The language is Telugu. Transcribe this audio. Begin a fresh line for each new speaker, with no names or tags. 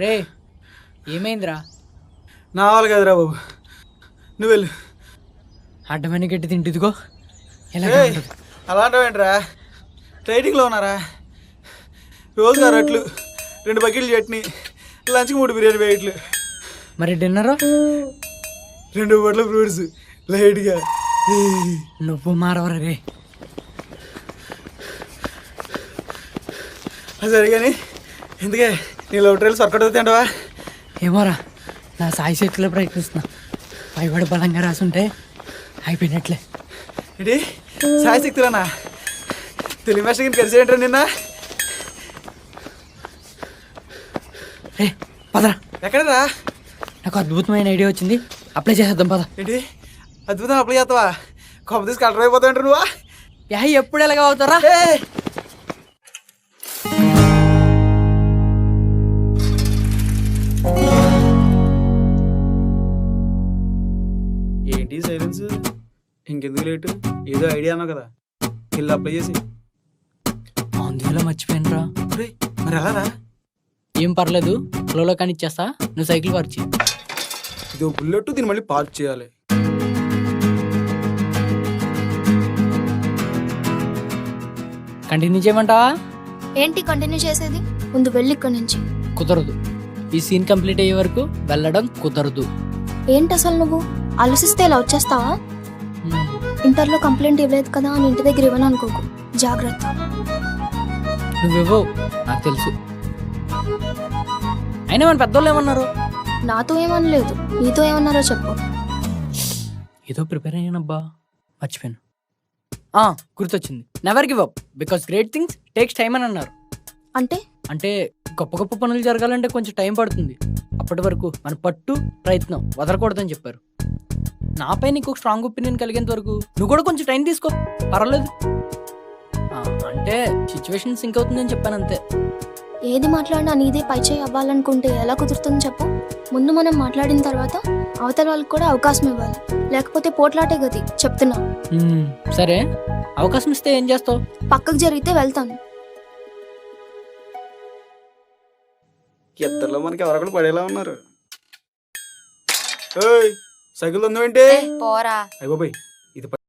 రే ఏమైందిరా?
నా వాళ్ళు కదరా బాబు, నువ్వు వెళ్ళు.
అడ్డమని గట్టి తింటుదిగో ఎలా
అలాంటివేంట్రా? ట్రైనింగ్లో ఉన్నారా? రోజుగా రొట్లు, 2 బకెట్లు చట్నీ, లంచ్కి 3 బిర్యానీ ప్యాకెట్లు,
మరి డిన్నరు
2 బొట్ల ఫ్రూట్స్ లైట్గా.
నువ్వు మారవరా రే.
సరే కానీ ఎందుకే నీ లవ్ ట్రైల్స్ వర్కౌట్ అవుతాయంటవా?
ఏమోరా, నా సాయి శక్తిలో ప్రయత్నిస్తున్నా. పైవాడు బలంగా రాసుంటే అయిపోయినట్లే.
ఏంటి సాయశక్తులనా? తెలుగు భాష కలిసి ఏంటారు నిన్న?
రే పదరా.
ఎక్కడరా?
నాకు అద్భుతమైన ఐడియా వచ్చింది, అప్లై చేసేద్దాం పద.
ఏంటి అద్భుతం అప్లై చేస్తావా? కొమ్మ తీసి కలర్ అయిపోతాయంటారు నువ్వా?
ఎప్పుడు ఎలాగ అవుతారా?
ఏంటి సైలెన్స్? ఇంకెందుకు లేటు? ఏదో ఐడియా అన్నావు కదా, వెళ్ళి అప్లై చేసి.
అందులో మర్చిపోయినరా.
మరి ఎలా?
ఏం పర్లేదు, ఫ్లోలో కానీ ఇచ్చేస్తా, నువ్వు సైకిల్ పరిచి.
ఇది బుల్లెట్, దీన్ని మళ్ళీ పార్క్ చేయాలి.
కంటిన్యూ చేయమంటావా?
ఏంటి కంటిన్యూ చేసేది? ముందు వెళ్ళి ఇక్కడి నుంచి.
కుదరదు, ఈ సీన్ కంప్లీట్ అయ్యే వరకు వెళ్ళడం కుదరదు.
ఏంటి అసలు నువ్వు ఆలోచిస్తే ఇలా వచ్చేస్తావా? ఇంటర్లో కంప్లైంట్ ఇవ్వలేదు కదా అని ఇంటి దగ్గర ఇవ్వను అనుకోకు, జాగ్రత్త.
నువ్వేవో నాకు తెలుసు. అయినా మన పెద్దోళ్ళు ఏమన్నారు?
నాతో ఏమనలేదు, నీతో ఏమన్నారో చెప్పు.
ఏదో ప్రిపేర్ అయ్యానబ్బా, మర్చిపోయాను. గుర్తొచ్చింది. Never give up because great things takes time అని అన్నారు. అంటే గొప్ప గొప్ప పనులు జరగాలంటే కొంచెం టైం పడుతుంది. అప్పటి వరకు మన పట్టు ప్రయత్నం వదలకూడదని చెప్పారు. నాపై నీకు ఒక స్ట్రాంగ్ ఒపీనియన్ కలిగేంత వరకు నువ్వు కూడా కొంచెం టైం తీసుకో, పర్వాలేదు. అంటే సిచ్యువేషన్ సింక్ అవుతుందని చెప్పాను అంతే.
ఏది మాట్లాడినా నీదే పైచేయి అవ్వాలనుకుంటే ఎలా కుదురుతుంది చెప్పు? ముందు మనం మాట్లాడిన తర్వాత అవతల వాళ్ళకి కూడా అవకాశం ఇవ్వాలి, లేకపోతే పోట్లాటే గతి, చెప్తున్నా.
సరే, అవకాశం ఇస్తే ఏం చేస్తావు?
పక్కకు జరిగితే వెళ్తాను.
ఇద్దరులో మనకి ఎవరొకరు పడేలా ఉన్నారు. సైకిల్ ఉందేంటి?
పోరా.
అయ్య బాబాయ్, ఇది